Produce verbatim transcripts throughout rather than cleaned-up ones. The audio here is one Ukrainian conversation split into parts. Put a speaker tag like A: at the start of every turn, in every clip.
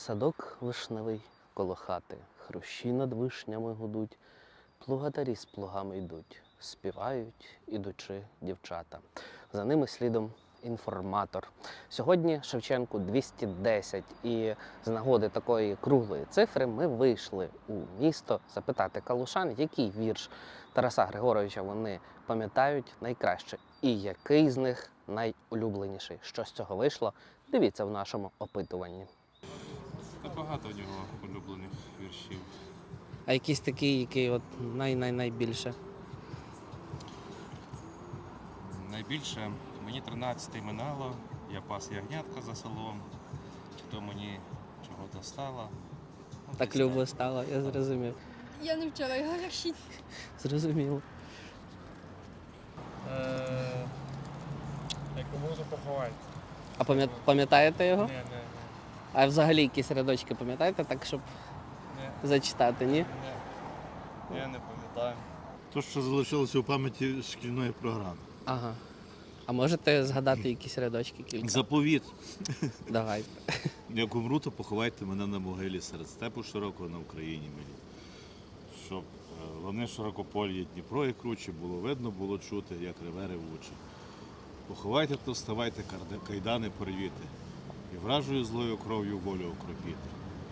A: Садок вишневий коло хати, хрущі над вишнями гудуть, плугатарі з плугами йдуть, співають, ідучи дівчата. За ними слідом інформатор. Сьогодні Шевченку двісті десять, і з нагоди такої круглої цифри ми вийшли у місто запитати калушан, який вірш Тараса Григоровича вони пам'ятають найкраще і який з них найулюбленіший. Що з цього вийшло, дивіться в нашому опитуванні.
B: Та багато у нього улюблених віршів.
A: А якийсь такий, який от най-най-найбільше?
B: Найбільше мені тринадцяте минало, я пас ягнятка за селом, чи то мені чого достало. Ну,
A: Так
B: десь
A: любо стало, я зрозумів.
C: Я не вчила його вірші.
A: Зрозуміло.
D: Е, Яку можу поховати.
A: А пам'ят- пам'ятаєте його?
D: Ні, ні, ні.
A: А взагалі якісь рядочки пам'ятаєте, так, щоб
D: Ні,
A: зачитати, ні?
D: ні. Я не пам'ятаю.
E: То, що залишилося у пам'яті шкільної програми.
A: Ага. А можете згадати якісь рядочки кілька?
E: Заповіт.
A: Давайте.
E: Як умру, то поховайте мене на могилі серед степу широкого на Україні милі. Щоб е, лани широкополі, Дніпро і круче, було видно, було чути, як реве ревуче. Поховайте, то вставайте, карда- кайдани порвіти, і вражою злою кров'ю волю окропіти.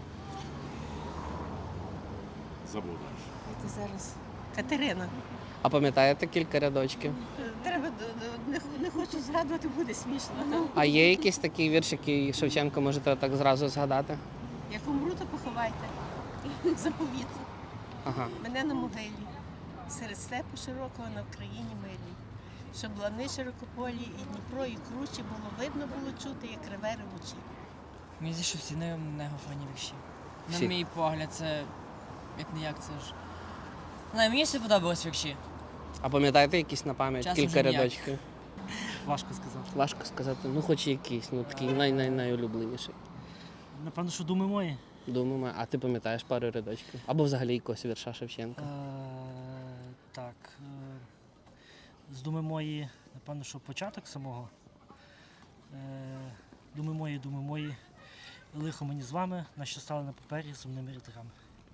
E: Забудеш.
F: Це зараз Катерина.
A: А пам'ятаєте кілька рядочків?
F: Треба не, не хочу згадувати, буде смішно.
A: А є якийсь такий вірш, який Шевченко можете так зразу згадати?
F: Як умру, то поховайте. Заповіт.
A: Ага.
F: Мене на могилі. Серед степу широкого на Україні милі. Щоб лани широкополі і Дніпро, і кручі було видно, було чути, як реве ревучі.
G: Мені здається, що всі не не гофані вірші.
A: Всі?
G: На мій погляд, це як не як це ж. Не, мені все подобалось вірші.
A: А пам'ятаєте якісь на пам'ять?
G: Часом
A: Кілька
G: вже ніяк.
A: рядочків?
G: Важко сказати.
A: Важко сказати, ну хоч якийсь, ну такий най-най-найулюбленіший.
H: Напевно, що думи мої.
A: Думаю, а ти пам'ятаєш пару рядочків? Або взагалі якогось вірша Шевченка?
H: Е, так. Е, з думи мої, напевно, що початок самого. Е, думи мої, думи мої. Лихо мені з вами, на що стали на папері сумними рядками.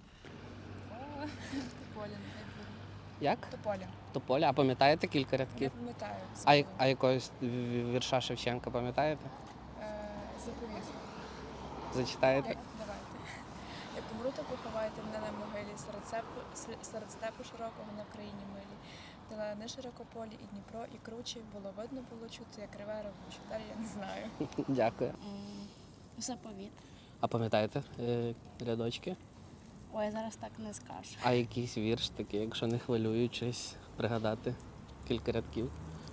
C: Тополя,
A: Як?
C: Тополя.
A: Тополя. А пам'ятаєте кілька
C: Я
A: рядків?
C: пам'ятаю.
A: А, я- а якогось ві- вірша Шевченка пам'ятаєте?
C: Е, Заповіт.
A: Зачитаєте?
C: Як- Давайте. Як умру, то поховайте мене на могилі серед степу, с- серед степу широкого на країні милі. Де лани широкополі і Дніпро, і кручі, було видно, було чути, як реве ревуче. Далі я не знаю.
A: Дякую.
F: Заповіт.
A: А пам'ятаєте е, рядочки?
F: Ой, зараз так не скажу.
A: А якийсь вірш такий, якщо не хвилюючись, пригадати кілька рядків?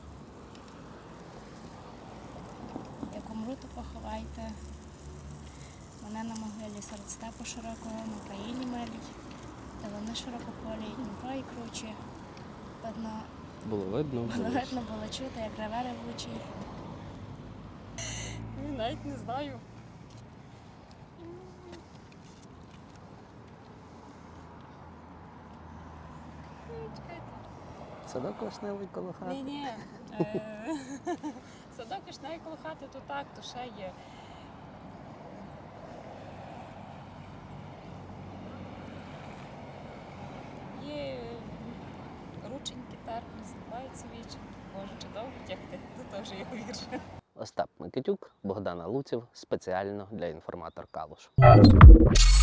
I: Як умру, то поховайте мене на могилі серед степу широкого на країні милій, де вони широкополі, і Дніпро і кручі. Видно,
A: Було видно.
I: було
A: Було.
I: видно було чути, як реве ревучий.
C: Навіть не знаю.
A: Садок вишневий коло хати.
J: Ні, ні. Садок вишневий коло хати, то так, то ще є. Є рученьки терпні, зливаються вічі. Може, чи довго тягти, то теж є вірш.
A: Остап Микитюк, Богдана Луців, спеціально для інформатор Калуш.